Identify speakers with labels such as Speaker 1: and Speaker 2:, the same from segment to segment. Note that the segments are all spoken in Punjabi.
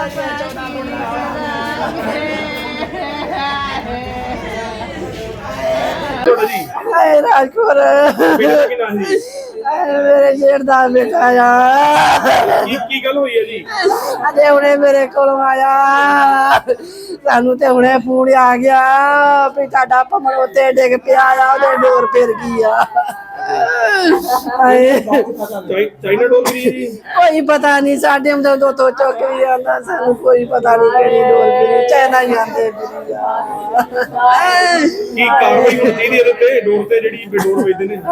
Speaker 1: राजपुर मेरे जेठ दा बेटा आ
Speaker 2: की गल हुई है जी
Speaker 1: अजे हुणे मेरे को आया सानू ते हुणे फोन आ गया भी ताड़ा भमण उत्ते डिग पिया आ ओदे डोर फिर गई आ
Speaker 2: चाइना डोर गिरी जी
Speaker 1: कोई पता नहीं साडे हम तो चौक भी आंदा सानू कोई पता नहीं केड़ी डोर गिरी चाइना ही आंदे
Speaker 2: की कार्रवाई होनी चाहिए ਇਹਦੇ ਤੇ ਡੋਰ ਤੇ ਜਿਹੜੀ ਬੇਡੋਰ ਵੇਚਦੇ ਨੇ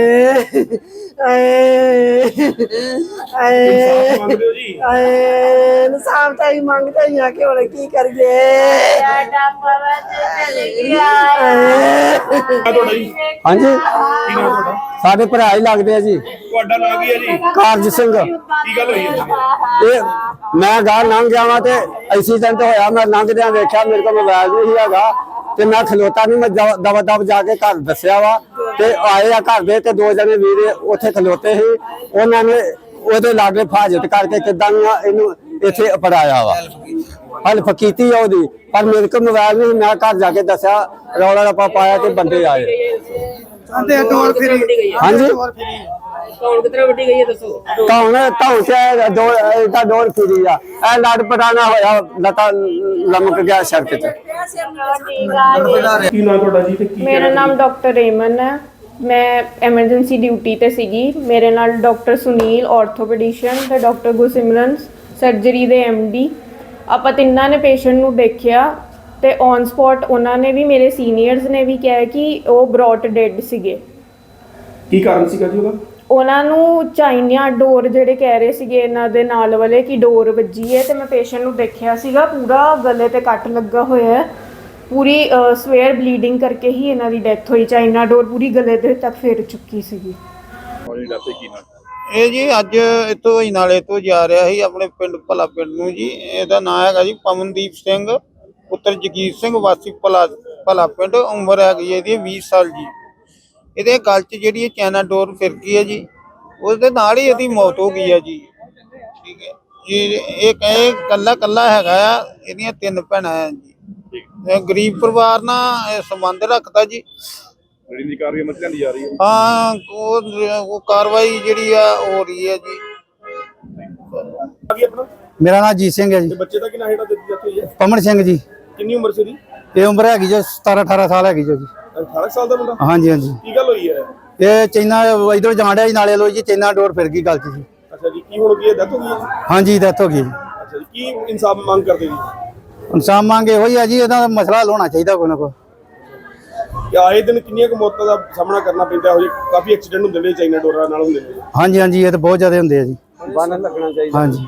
Speaker 2: ਇਨਸਾਫ ਮੰਗਦੇ ਹੋ ਜੀ
Speaker 1: ਇਨਸਾਫ ਤਾਂ ਹੀ ਮੰਗਦੇ ਹੀ ਆ ਕਿ ਹੁਣ ਕੀ ਕਰੀਏ
Speaker 2: ਤੁਹਾਡਾ ਜੀ
Speaker 3: ਹਾਂਜੀ
Speaker 2: ਕੀ ਨਾਮ ਤੁਹਾਡਾ
Speaker 3: ਸਾਡੇ ਭਰਾ ਹੀ ਲੱਗਦੇ ਆ ਜੀ।
Speaker 2: ਤੁਹਾਡਾ ਨਾਮ ਕੀ ਹੈ ਜੀ
Speaker 3: ਕਾਰਜ ਸਿੰਘ।
Speaker 2: ਕੀ ਗੱਲ ਹੋਈ ਹੈ
Speaker 3: ਇਹ ਮੈਂ ਗਾਂ ਲੰਘ ਜਾਵਾਂ ਤੇ ਐਕਸੀਡੈਂਟ ਹੋਇਆ। ਮੈਂ ਲੰਘਦਿਆਂ ਵੇਖਿਆ ਮੇਰੇ ਕੋਲ ਮੋਬਾਈਲ ਨਹੀਂ ਹੈਗਾ ਤੇ ਮੈਂ ਖਲੋਤਾ ਨਹੀਂ। ਮੈਂ ਦਵਾ ਦਵ ਜਾ ਕੇ ਘਰ ਦੱਸਿਆ ਵਾ ਤੇ ਆਏ ਆ ਘਰ ਦੇ ਤੇ ਦੋ ਜਣੇ ਵੀਰੇ ਉੱਥੇ ਖਲੋਤੇ ਸੀ। ਉਹਨਾਂ ਨੇ ਉਹਦੇ ਲਾਗੇ ਫਾਜ਼ਤ ਕਰਕੇ ਕਿੱਦਾਂ ਇਹਨੂੰ ਇੱਥੇ ਅਪੜਾਇਆ ਵਾ। ਹੈਲਪ ਕੀਤੀ ਆ ਉਹਦੀ ਪਰ ਮੇਰੇ ਕੋਲ ਮੋਬਾਈਲ ਨਹੀਂ। ਮੈਂ ਘਰ ਜਾ ਕੇ ਦੱਸਿਆ ਰੌਲਾ ਰੱਪਾ ਪਾਇਆ ਤੇ ਬੰਦੇ ਆਏ।
Speaker 1: ਡੋਰ ਫਿਰੀ
Speaker 3: ਹਾਂਜੀ
Speaker 4: ਕੌਣ ਕਿਤਨਾ ਵੱਡੀ ਗਈ ਹੈ ਦੱਸੋ
Speaker 3: ਧੌਣ ਤੇ ਡੋਰ ਫਿਰੀ ਆ। ਇਹ ਲੜ ਪਟਾਣਾ ਹੋਇਆ ਲਤਾ ਲਮਕ ਗਿਆ ਸੜਕ ਤੇ।
Speaker 2: ਕੀ ਨਾਮ ਤੁਹਾਡਾ ਜੀ ਤੇ ਕੀ
Speaker 5: ਮੇਰਾ ਨਾਮ ਡਾਕਟਰ ਰੇਮਨ ਹੈ। ਮੈਂ ਐਮਰਜੈਂਸੀ ਡਿਊਟੀ ਤੇ ਸੀਗੀ। ਮੇਰੇ ਨਾਲ ਡਾਕਟਰ ਸੁਨੀਲ ਆਰਥੋਪੈਡਿਸ਼ਨ ਤੇ ਡਾਕਟਰ ਗੁਰਸਿਮਰਨ ਸਰਜਰੀ ਦੇ ਐਮਡੀ ਆਪਾਂ ਤਿੰਨਾਂ ਨੇ ਪੇਸ਼ੈਂਟ ਨੂੰ ਦੇਖਿਆ ਤੇ ਔਨ ਸਪੌਟ ਉਹਨਾਂ ਨੇ ਵੀ ਮੇਰੇ ਸੀਨੀਅਰਸ ਨੇ ਵੀ ਕਿਹਾ ਕਿ ਉਹ ਬ੍ਰੌਟ ਡੈਡ ਸੀਗੇ।
Speaker 2: ਕੀ ਕਾਰਨ ਸੀਗਾ ਜੀ ਉਹਦਾ?
Speaker 5: ਉਹਨਾਂ ਨੂੰ ਚਾਈਨਾ ਡੋਰ ਜਿਹੜੇ ਕਹਿ ਰਹੇ ਸੀਗੇ ਇਹਨਾਂ ਦੇ ਨਾਲ ਵਾਲੇ ਕਿ ਡੋਰ ਵੱਜੀ ਹੈ ਤੇ ਮੈਂ ਪੇਸ਼ੈਂਟ ਨੂੰ ਦੇਖਿਆ ਸੀਗਾ ਪੂਰਾ ਗਲੇ ਤੇ ਕੱਟ ਲੱਗਾ ਹੋਇਆ ਹੈ। ਪੂਰੀ ਸਵੇਅਰ ਬਲੀਡਿੰਗ ਕਰਕੇ ਹੀ ਇਹਨਾਂ ਦੀ ਡੈਥ ਹੋਈ। ਚਾਈਨਾ ਡੋਰ ਪੂਰੀ ਗਲੇ ਦੇ ਤੱਕ ਫੇਰ ਚੁੱਕੀ ਸੀਗੀ।
Speaker 6: ਇਹ ਜੀ ਅੱਜ ਇੱਥੋਂ ਹੀ ਨਾਲੇ ਤੋਂ ਜਾ ਰਿਹਾ ਸੀ ਆਪਣੇ ਪਿੰਡ ਭਲਾ ਪਿੰਡ ਨੂੰ ਜੀ। ਇਹਦਾ ਨਾਮ ਹੈਗਾ ਜੀ ਪਵਨਦੀਪ ਸਿੰਘ ਪੁੱਤਰ ਜਗੀਰ ਸਿੰਘ ਵਾਸੀ ਭਲਾ ਪਿੰਡ। ਉਮਰ ਹੈਗੀ ਇਹਦੀ 20 ਸਾਲ ਜੀ। ਇਹਦੇ ਗਲ 'ਚ ਜਿਹੜੀ ਚਾਈਨਾ ਡੋਰ ਫਿਰ ਗਈ ਹੈ ਜੀ। ਉਸਦੇ ਨਾਲ ਹੀ ਇਹਦੀ ਮੌਤ ਹੋ ਗਈ ਹੈ ਜੀ। ਠੀਕ ਹੈ ਜੀ। ਇਹ ਕਹੇ ਕੱਲਾ ਹੈਗਾ ਆ। ਇਹਦੀਆਂ 3 ਭੈਣਾਂ ਆ ਜੀ। ਗਰੀਬ ਪਰਿਵਾਰ ਨਾਲ ਸੰਬੰਧ ਰੱਖਦਾ ਜੀ।
Speaker 2: ਜਿਹੜੀ ਕਾਰਵਾਈ ਮਸਲਿਆਂ ਦੀ ਜਾ ਰਹੀ ਹੈ
Speaker 6: ਹਾਂ ਉਹ ਕਾਰਵਾਈ ਜਿਹੜੀ ਆ ਹੋ ਰਹੀ ਹੈ ਜੀ।
Speaker 2: ਕੀ ਆਪਣਾ
Speaker 3: ਮੇਰਾ ਨਾਮ ਜੀਤ ਸਿੰਘ ਹੈ ਜੀ।
Speaker 2: ਤੇ ਬੱਚੇ ਦਾ ਕੀ ਨਾਮ ਹੈਗਾ ਦਿੱਤੀ ਹੋਈ ਹੈ?
Speaker 3: ਪਮਨ ਸਿੰਘ ਜੀ।
Speaker 2: ਕਿੰਨੀ ਉਮਰ ਸੀ ਉਹਦੀ?
Speaker 3: ਇਹ ਉਮਰ ਹੈਗੀ ਜੋ 17-18 ਸਾਲ ਹੈਗੀ ਜੋ ਜੀ।
Speaker 2: 18 ਸਾਲ ਦਾ ਮੁੰਡਾ?
Speaker 3: ਹਾਂਜੀ ਹਾਂਜੀ।
Speaker 2: ਕੀ ਗੱਲ ਹੋਈ ਹੈ?
Speaker 3: ਇਹ ਚਾਈਨਾ ਇਧਰੋਂ ਜਾਣ ਡਿਆ ਜੀ ਨਾਲੇ ਲੋ ਜੀ। ਚਾਈਨਾ ਡੋਰ ਫਿਰ ਗਈ ਗਲ 'ਚ ਜੀ।
Speaker 2: ਅੱਛਾ ਜੀ। ਕੀ ਹੁਣ ਕੀ ਡੈਥ ਹੋ ਗਈ ਹੈ?
Speaker 3: ਹਾਂਜੀ ਡੈਥ ਹੋ ਗਈ ਜੀ।
Speaker 2: ਅੱਛਾ ਜੀ। ਕੀ ਇਨਸਾਫ ਮੰਗ ਕਰਦੇ ਜੀ?
Speaker 3: ਇਨਸਾਨ ਮੰਗ ਇਹੋ ਹੀ ਆ ਜੀ। ਇਹਦਾ ਮਸਲਾ ਹੱਲ ਹੋਣਾ ਚਾਹੀਦਾ ਕੋਈ ਨਾ ਕੋਈ।
Speaker 2: ਆਏ ਦਿਨ ਕਿੰਨੀਆਂ ਕੁ ਮੌਤਾਂ ਦਾ ਸਾਹਮਣਾ ਕਰਨਾ ਪੈਂਦਾ ਹੋ ਜੀ? ਕਾਫੀ ਐਕਸੀਡੈਂਟ ਹੁੰਦੇ ਨੇ ਚਾਈਨਾ ਡੋਰਾਂ ਨਾਲ ਹੁੰਦੇ ਨੇ।
Speaker 3: ਹਾਂਜੀ ਹਾਂਜੀ ਇਹ ਤਾਂ ਬਹੁਤ ਜ਼ਿਆਦਾ ਹੁੰਦੇ ਆ ਜੀ।
Speaker 2: ਬੰਨ ਲੱਗਣਾ ਚਾਹੀਦਾ।
Speaker 3: ਹਾਂਜੀ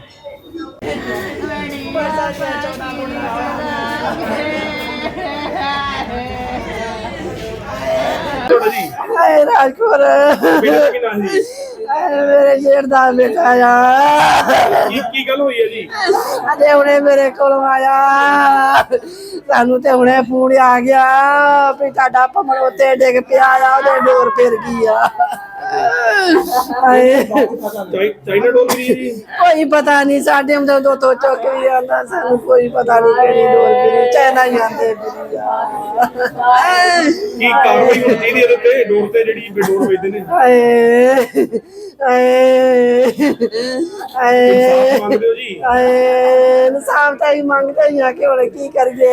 Speaker 2: ਤੁਹਾਡਾ ਜੀ
Speaker 1: राजपुर
Speaker 2: ਬੇਟਾ ਦਾ ਕੀ ਨਾਮ ਜੀ?
Speaker 1: मेरे जेठ दा बेटा आ
Speaker 2: ਕੀ ਗੱਲ ਹੋਈ ਹੈ ਜੀ?
Speaker 1: अजे हुणे मेरे को आया सानू ते हुणे फोन आ गया भी ताड़ा भमण उत्ते डिग पिया आ ओदे डोर फिर गई आ
Speaker 2: ਚਾਈਨਾ ਡੋਰ गिरी जी
Speaker 1: कोई पता नहीं साडे हम तो चौक भी आंदा सानू कोई पता नहीं केड़ी डोर गिरी चाइना ही आंदे
Speaker 2: ਕੀ ਕਾਰਵਾਈ ਹੋਣੀ ਚਾਹੀਦੀ ਇਹਦੇ ਤੇ ਡੋਰ ਤੇ ਜਿਹੜੀ ਬੇਡੋਰ ਵੇਚਦੇ ਨੇ? ਇਨਸਾਫ ਮੰਗਦੇ ਹੋ ਜੀ?
Speaker 1: ਇਨਸਾਫ ਤਾਂ ਹੀ ਮੰਗਦੇ ਹੀ ਆ ਕਿ ਹੁਣ ਕੀ ਕਰੀਏ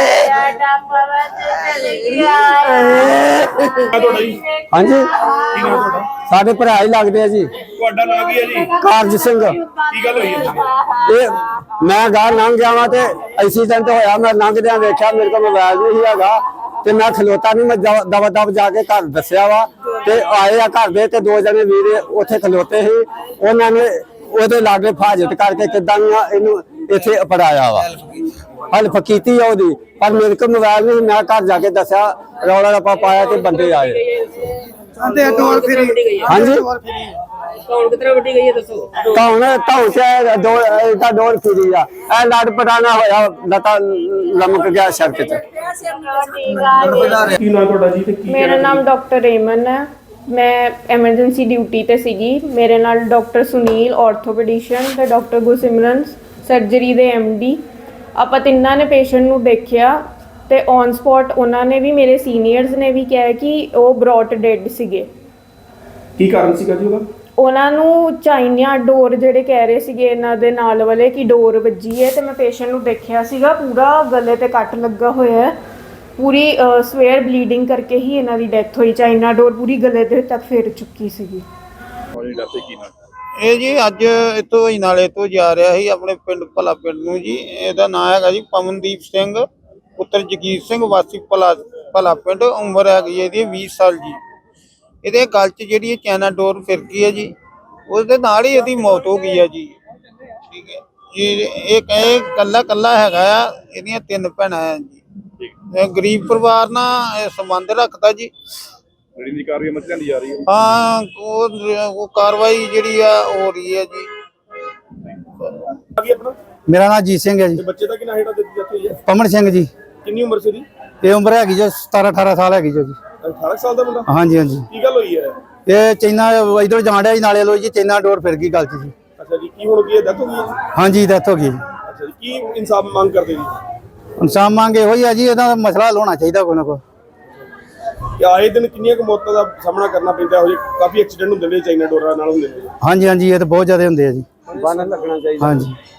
Speaker 2: ਤੁਹਾਡਾ ਜੀ
Speaker 3: ਹਾਂਜੀ
Speaker 2: ਕੀ ਨਾਮ ਤੁਹਾਡਾ?
Speaker 3: ਸਾਡੇ ਭਰਾ ਹੀ ਲੱਗਦੇ ਆ ਜੀ।
Speaker 2: ਤੁਹਾਡਾ ਨਾਮ ਕੀ ਹੈ ਜੀ?
Speaker 3: ਕਾਰਜ ਸਿੰਘ।
Speaker 2: ਕੀ ਗੱਲ ਹੋਈ ਹੈ?
Speaker 3: ਇਹ ਮੈਂ ਗਾਂ ਲੰਘ ਜਾਵਾਂ ਤੇ ਐਕਸੀਡੈਂਟ ਹੋਇਆ। ਮੈਂ ਲੰਘਦਿਆਂ ਵੇਖਿਆ ਮੇਰੇ ਕੋਲ ਮੋਬਾਈਲ ਨਹੀਂ ਹੈਗਾ ਤੇ ਮੈਂ ਖਲੋਤਾ ਨਹੀਂ। ਮੈਂ ਦਵਾ ਦਵ ਜਾ ਕੇ ਘਰ ਦੱਸਿਆ ਵਾ ਤੇ ਆਏ ਆ ਘਰ ਦੇ ਤੇ ਦੋ ਜਣੇ ਵੀਰੇ ਉੱਥੇ ਖਲੋਤੇ ਸੀ। ਉਹਨਾਂ ਨੇ ਉਹਦੇ ਲਾਗੇ ਫਾਜ਼ਤ ਕਰਕੇ ਕਿੱਦਾਂ ਇਹਨੂੰ ਇੱਥੇ ਅਪੜਾਇਆ ਵਾ। ਹੈਲਪ ਕੀਤੀ ਆ ਉਹਦੀ ਪਰ ਮੇਰੇ ਕੋਲ ਮੋਬਾਈਲ ਨਹੀਂ। ਮੈਂ ਘਰ ਜਾ ਕੇ ਦੱਸਿਆ ਰੌਲਾ ਰੱਪਾ ਪਾਇਆ ਤੇ ਬੰਦੇ ਆਏ।
Speaker 1: ਡੋਰ ਫਿਰੀ
Speaker 3: ਹਾਂਜੀ
Speaker 4: ਕੌਣ ਕਿਤਨਾ ਵੱਡੀ ਗਈ ਹੈ ਦੱਸੋ
Speaker 3: ਧੌਣ ਤੇ ਡੋਰ ਫਿਰੀ ਆ। ਇਹ ਲੜ ਪਟਾਣਾ ਹੋਇਆ ਲਤਾ ਲਮਕ ਗਿਆ ਸੜਕ ਤੇ।
Speaker 2: ਕੀ ਨਾਮ ਤੁਹਾਡਾ ਜੀ ਤੇ ਕੀ
Speaker 5: ਮੇਰਾ ਨਾਮ ਡਾਕਟਰ ਰੇਮਨ ਹੈ। ਮੈਂ ਐਮਰਜੈਂਸੀ ਡਿਊਟੀ ਤੇ ਸੀਗੀ। ਮੇਰੇ ਨਾਲ ਡਾਕਟਰ ਸੁਨੀਲ ਆਰਥੋਪੈਡਿਸ਼ਨ ਤੇ ਡਾਕਟਰ ਗੁਰਸਿਮਰਨ ਸਰਜਰੀ ਦੇ ਐਮਡੀ। ਆਪਾਂ ਤਿੰਨਾਂ ਨੇ ਪੇਸ਼ੈਂਟ ਨੂੰ ਦੇਖਿਆ ਤੇ ਔਨ ਸਪੌਟ ਉਹਨਾਂ ਨੇ ਵੀ, ਮੇਰੇ ਸੀਨੀਅਰਸ ਨੇ ਵੀ ਕਿਹਾ ਕਿ ਉਹ ਬ੍ਰੌਟ ਡੈਡ ਸੀਗੇ।
Speaker 2: ਕੀ ਕਾਰਨ ਸੀਗਾ ਜੀ ਉਹਦਾ?
Speaker 5: ਉਹਨਾਂ ਨੂੰ ਚਾਈਨਾ ਡੋਰ ਜਿਹੜੇ ਕਹਿ ਰਹੇ ਸੀਗੇ ਇਹਨਾਂ ਦੇ ਨਾਲ ਵਾਲੇ ਕਿ ਡੋਰ ਵੱਜੀ ਹੈ, ਤੇ ਮੈਂ ਪੇਸ਼ੈਂਟ ਨੂੰ ਦੇਖਿਆ ਸੀਗਾ ਪੂਰਾ ਗਲੇ ਤੇ ਕੱਟ ਲੱਗਾ ਹੋਇਆ ਹੈ, ਪੂਰੀ ਸਵੇਅਰ ਬਲੀਡਿੰਗ ਕਰਕੇ ਹੀ ਇਹਨਾਂ ਦੀ ਡੈਥ ਹੋਈ। ਚਾਈਨਾ ਡੋਰ ਪੂਰੀ ਗਲੇ ਦੇ ਤੱਕ ਫੇਰ ਚੁੱਕੀ ਸੀਗੀ।
Speaker 6: ਇਹ ਜੀ ਅੱਜ ਇੱਥੋਂ ਹੀ ਨਾਲੇ ਤੋਂ ਜਾ ਰਿਹਾ ਸੀ ਆਪਣੇ ਪਿੰਡ ਭਲਾ ਪਿੰਡ ਨੂੰ ਜੀ। ਇਹਦਾ ਨਾਮ ਹੈਗਾ ਜੀ ਪਵਨਦੀਪ ਸਿੰਘ ਪੁੱਤਰ ਜਗੀਰ ਸਿੰਘ ਵਾਸੀ ਭਲਾ ਪਿੰਡ। ਉਮਰ ਹੈਗੀ ਇਹਦੀ 20 ਸਾਲ ਜੀ। ਇਹਦੇ ਗਲ 'ਚ ਜਿਹੜੀ ਚਾਈਨਾ ਡੋਰ ਫਿਰ ਗਈ ਹੈ ਜੀ, ਉਸਦੇ ਨਾਲ ਹੀ ਇਹਦੀ ਮੌਤ ਹੋ ਗਈ ਹੈ ਜੀ। ਠੀਕ ਹੈ ਜੀ। ਇਹ ਕਹੇ ਕੱਲਾ ਹੈਗਾ ਆ, ਇਹਦੀਆਂ 3 ਭੈਣਾਂ ਆ ਜੀ। ਇਹ ਗਰੀਬ ਪਰਿਵਾਰ ਨਾਲ ਇਹ ਸੰਬੰਧ ਰੱਖਦਾ ਜੀ।
Speaker 2: ਜਿਹੜੀ ਕਾਰਵਾਈ ਮਸਲਿਆਂ ਦੀ ਜਾ ਰਹੀ ਹੈ।
Speaker 6: ਹਾਂ, ਉਹ ਕਾਰਵਾਈ ਜਿਹੜੀ ਆ ਹੋ ਰਹੀ ਹੈ ਜੀ।
Speaker 2: ਕੀ ਆਪਣਾ?
Speaker 3: ਮੇਰਾ ਨਾਮ ਜੀਤ ਸਿੰਘ ਹੈ ਜੀ।
Speaker 2: ਤੇ ਬੱਚੇ ਦਾ ਕੀ ਨਾਮ ਹੈਗਾ ਦਿੱਤੀ ਹੋਈ ਹੈ?
Speaker 3: ਪਮਨ ਸਿੰਘ ਜੀ।
Speaker 2: ਕਿੰਨੀ ਉਮਰ ਸੀ ਇਹਦੀ?
Speaker 3: ਇਹ ਉਮਰ ਹੈਗੀ ਜੋ 17-18 ਸਾਲ ਹੈਗੀ ਜੋ ਜੀ।
Speaker 2: 18 ਸਾਲ ਦਾ ਮੁੰਡਾ?
Speaker 3: ਹਾਂਜੀ ਹਾਂਜੀ।
Speaker 2: ਕੀ ਗੱਲ ਹੋਈ ਹੈ?
Speaker 3: ਇਹ ਚਾਈਨਾ ਇਧਰ ਜਾਣ ਡਿਆ ਜੀ ਨਾਲੇ ਲੋ ਜੀ, ਚਾਈਨਾ ਡੋਰ ਫਿਰ ਗਈ ਗਲ 'ਚ ਜੀ।
Speaker 2: ਅੱਛਾ ਜੀ। ਕੀ ਹੁਣ ਕੀ ਹੈ? ਡੈਥ ਹੋ ਗਈ ਹੈ?
Speaker 3: ਹਾਂਜੀ ਡੈਥ ਹੋ ਗਈ ਜੀ।
Speaker 2: ਅੱਛਾ ਜੀ। ਕੀ ਇਨਸਾਫ ਮੰਗ ਕਰਦੇ ਜੀ?
Speaker 3: ਇਨਸਾਨ ਮੰਗ ਇਹੋ ਹੀ ਆ ਜੀ, ਇਹਦਾ ਮਸਲਾ ਹੱਲ ਹੋਣਾ ਚਾਹੀਦਾ ਕੋਈ ਨਾ ਕੋਈ।
Speaker 2: ਕਿ ਆਏ ਦਿਨ ਕਿੰਨੀਆਂ ਕੁ ਮੌਤਾਂ ਦਾ ਸਾਹਮਣਾ ਕਰਨਾ ਪੈਂਦਾ ਹੋ ਜੀ? ਕਾਫੀ ਐਕਸੀਡੈਂਟ ਹੁੰਦੇ ਨੇ ਚਾਈਨਾ ਡੋਰਾਂ ਨਾਲ ਹੁੰਦੇ ਨੇ।
Speaker 3: ਹਾਂਜੀ ਹਾਂਜੀ, ਇਹ ਤਾਂ ਬਹੁਤ ਜ਼ਿਆਦਾ ਹੁੰਦੇ ਆ ਜੀ।
Speaker 2: ਬੰਨ ਲੱਗਣਾ ਚਾਹੀਦਾ।
Speaker 3: ਹਾਂਜੀ।